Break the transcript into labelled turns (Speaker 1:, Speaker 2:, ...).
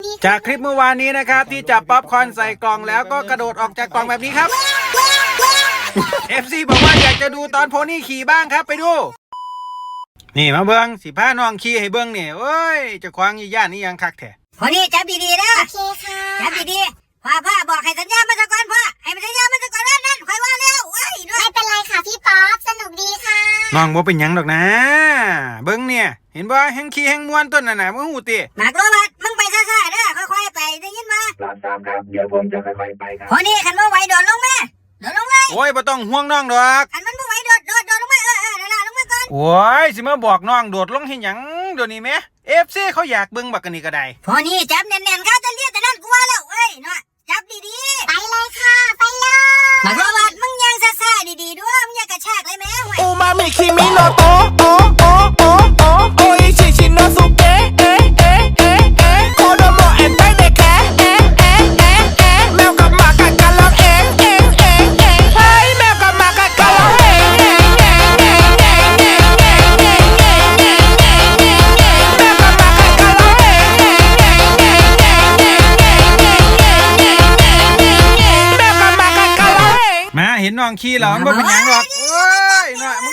Speaker 1: จากคลิปเมื่อวานนี้นะครับที่จับป๊อปคอร์นใส่กล่องแล้วก็กระโดดออกจากกล่องแบบนี้ครับ FC บอกว่าอยากจะดูตอนโพนี่ขี่บ้างครับไปดู นี่มาเบิ้งสิพาน้องขี่ให้เบิ้งเนี่ยเอ้ยจะคว้างยี่ย่านนี่ยังคักแท้
Speaker 2: พอดีจับดีๆนะ
Speaker 3: โอเคค่ะ
Speaker 2: จับดีๆพ่อบอกให้สัญญามันซะก่อนพ่อให้มันสัญญามันซะก่อนนั่นค่อยว่าแล้วเว้ยด้วย
Speaker 3: ไม่เป็นไรค่ะพี่ป๊อปสนุกดีค่ะ
Speaker 1: น้องบ่เป็นหยังดอกนะ เบิ้งเนี่ยเห็นบ่แห้งขี่แห้งม้วนต้นน่ะนะมึงหูติ
Speaker 2: หมากโรบัดมึงไปซ่าๆเด้อค่อยๆไปได้ยินมา
Speaker 4: ครับเดี๋ยวผมจะค่อยๆไปครับ
Speaker 2: พอดีขันบ่ไหวโดดลงมาโดดลงเลย
Speaker 1: โอ้ยบ่ต้องห่วงน้องดอก
Speaker 2: ขันมันบ่ไหวโดดลงมาเดี๋ยวลงมาก่อน
Speaker 1: โอ้ยสิมาบอกน้องโดดลงเฮ็ดหยังเดี๋ยวนี้แหม FC เขาอยากเบิ่งบักกันนี่ก็ได้
Speaker 2: พอดีจับแน่นๆเข้าจะเลียดแต่นั่นกลัวแล้วเอ้ยเนาะจับดี
Speaker 3: ไปเลยค่ะไปเลย
Speaker 2: ๆหมากโรบัดมึงยังซ่าๆดีๆด้วยมึงอย่ากระชากเลยแม่ห่วย
Speaker 5: อูมามิคิมิโนโตะโอโอโอโอโออิชิชิโนสุเกะเอะเอะเอะเอะโคโดโมเอ็นไปเดแคะเอะเอะเอะเอะแมวกับหมากัดกันร้องเองเองเองเองเฮ้ยแมวกับหมากัดกันร้องเองเองเองเองเองเองเองเองเองเองเองเองแมวกับหมากัดกันร้องเองเองเองเองเองเองเองเองเองเองแมวกับหมากัดกันร้องเอง
Speaker 1: มาเห็นน้องขี่แล้วมันบ่เป็นหยังหรอกเอ้ยน่ะมึง